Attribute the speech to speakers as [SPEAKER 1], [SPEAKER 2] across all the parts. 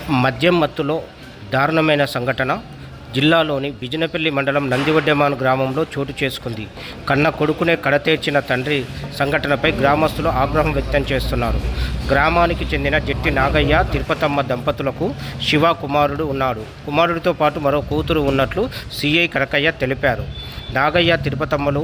[SPEAKER 1] మద్యం మత్తులో దారుణమైన సంఘటన జిల్లాలోని బిజినపల్లి మండలం నందివడ్డెమాన్ గ్రామంలో చోటు చేసుకుంది. కన్న కొడుకునే కడతేర్చిన తండ్రి సంఘటనపై గ్రామస్తులు ఆగ్రహం వ్యక్తం చేస్తున్నారు. గ్రామానికి చెందిన జట్టి నాగయ్య, తిరుపతమ్మ దంపతులకు శివ కుమారుడు ఉన్నాడు. కుమారుడితో పాటు మరో కూతురు ఉన్నట్లు సిఐ కనకయ్య తెలిపారు. నాగయ్య, తిరుపతమ్మలు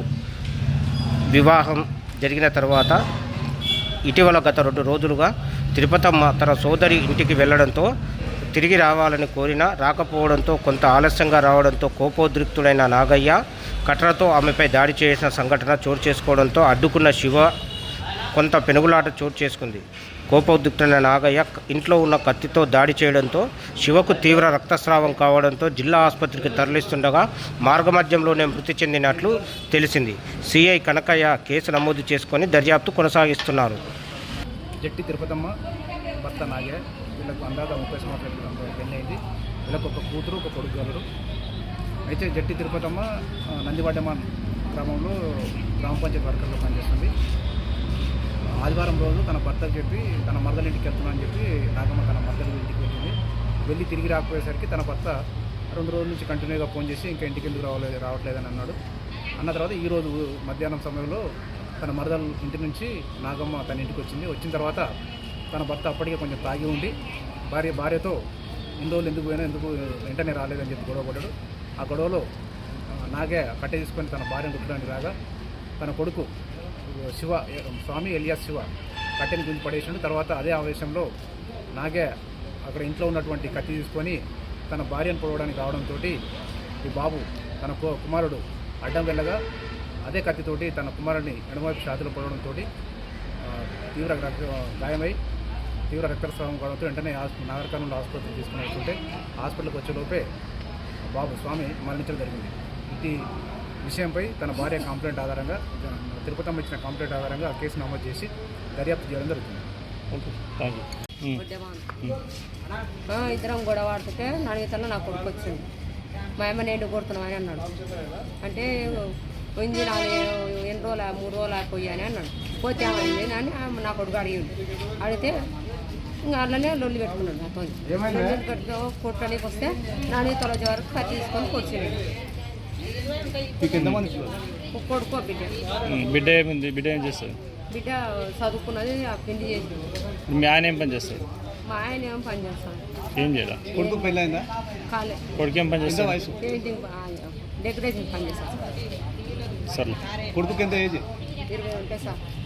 [SPEAKER 1] వివాహం జరిగిన తర్వాత ఇటీవల గత 2 రోజులుగా తిరుపతమ్మ తన సోదరి ఇంటికి వెళ్లడంతో తిరిగి రావాలని కోరినా రాకపోవడంతో కొంత ఆలస్యంగా రావడంతో కోపోద్రిక్తుడైన నాగయ్య కట్టడతో ఆమెపై దాడి చేసిన సంఘటన చోటు చేసుకోవడంతో అడ్డుకున్న శివ కొంత పెనుగులాట చోటు చేసుకుంది. కోపోద్రిక్తుడైన నాగయ్య ఇంట్లో ఉన్న కత్తితో దాడి చేయడంతో శివకు తీవ్ర రక్తస్రావం కావడంతో జిల్లా ఆసుపత్రికి తరలిస్తుండగా మార్గమధ్యంలోనే మృతి చెందినట్లు తెలిసింది. సిఐ కనకయ్య కేసు నమోదు చేసుకొని దర్యాప్తు కొనసాగిస్తున్నారు.
[SPEAKER 2] జట్టి తిరుపతమ్మ భర్త నాగే, వీళ్ళకు అందాక 30 సంవత్సరాల పెళ్ళి అయింది. వీళ్ళకు ఒక కూతురు, ఒక కొడుకు గలరు. అయితే జట్టి తిరుపతమ్మ నందివడ్డెమాన్ గ్రామంలో గ్రామ పంచాయతీ వర్కర్లో పనిచేస్తుంది. ఆదివారం రోజు తన భర్తకు చెప్పి తన మరదల ఇంటికి వెళ్తున్నానని చెప్పి నాగమ్మ తన మరదల ఇంటికి వెళ్ళి తిరిగి రాకపోయేసరికి తన భర్త 2 రోజుల నుంచి కంటిన్యూగా ఫోన్ చేసి ఇంకా ఇంటికి ఎందుకు రావట్లేదని అన్నాడు. అన్న తర్వాత ఈరోజు మధ్యాహ్నం సమయంలో తన మరదల ఇంటి నుంచి నాగమ్మ తన ఇంటికి వచ్చిన తర్వాత తన భర్త అప్పటికే కొంచెం తాగి ఉండి భార్యతో ఎన్ని రోజులు ఎందుకు పోయినా ఎందుకు వెంటనే రాలేదని చెప్పి గొడవ పడ్డాడు. ఆ గొడవలో నాగే కట్టె తీసుకొని తన భార్యను కుట్టడానికి రాగా తన కొడుకు శివ, స్వామి ఎలియాస్ శివ కట్టెని గుంజి పడేసాడు. తర్వాత అదే ఆవేశంలో నాగే అక్కడ ఇంట్లో ఉన్నటువంటి కత్తి తీసుకొని తన భార్యను పొడవడానికి రావడంతో ఈ బాబు తన కుమారుడు అడ్డం వెళ్ళగా అదే కత్తితోటి తన కుమారుడిని ఎడమవైపు ఛాతీలో పొడవడంతో తీవ్ర గాయమై తీవ్ర రక్తస్రావం కావడంతో వెంటనే నాగర్ కర్నూలు ఆసుపత్రికి తీసుకుని వస్తుంటే హాస్పిటల్కి వచ్చేలోపే బాబు స్వామి మరణించడం జరిగింది. ఇది విషయంపై తన భార్య కంప్లైంట్ ఆధారంగా, తిరుపతమ్మ ఇచ్చిన కంప్లైంట్ ఆధారంగా ఆ కేసు నమోదు చేసి దర్యాప్తు చేయడం జరుగుతుంది.
[SPEAKER 3] ఇద్దరం గొడవ ఆడుతుంటే నడిగితల్లో నా కొడుకు వచ్చింది. మా అమ్మ నేను కొడుతున్నావు అని అన్నాడు. అంటే పోయింది 3 రోజులు అయిపోయి అని అన్నాడు. పోతే ఏమైంది అని నా కొడుకు అడిగితే ఇంకా అట్లనే లొల్లి పెట్టుకున్నాడు. నాతో లొల్లి పెట్టుకో కొట్టడానికి వస్తే నాని తొలజ వరకు కత్తి తీసుకొని కొట్టింది. కొడుకో
[SPEAKER 4] బిడ్డ ఏం చేస్తుంది?
[SPEAKER 3] బిడ్డ చదువుకున్నది, ఆ పిండి చేసింది.
[SPEAKER 4] మీ ఆయన ఏం పని చేస్తారు?
[SPEAKER 3] మా ఆయన ఏం పని చేస్తాను.
[SPEAKER 4] ఏం చేయాలి?
[SPEAKER 2] కొడుకు పెళ్ళైందా?
[SPEAKER 3] కాలే.
[SPEAKER 4] కొడుకు ఏం పని చేస్తారు?
[SPEAKER 3] పెయింటింగ్, డెకరేషన్ పని చేస్తాను.
[SPEAKER 4] సరే.
[SPEAKER 2] కొడుకు ఎంత ఏజ్?
[SPEAKER 3] 20 ఉంటాయి సార్.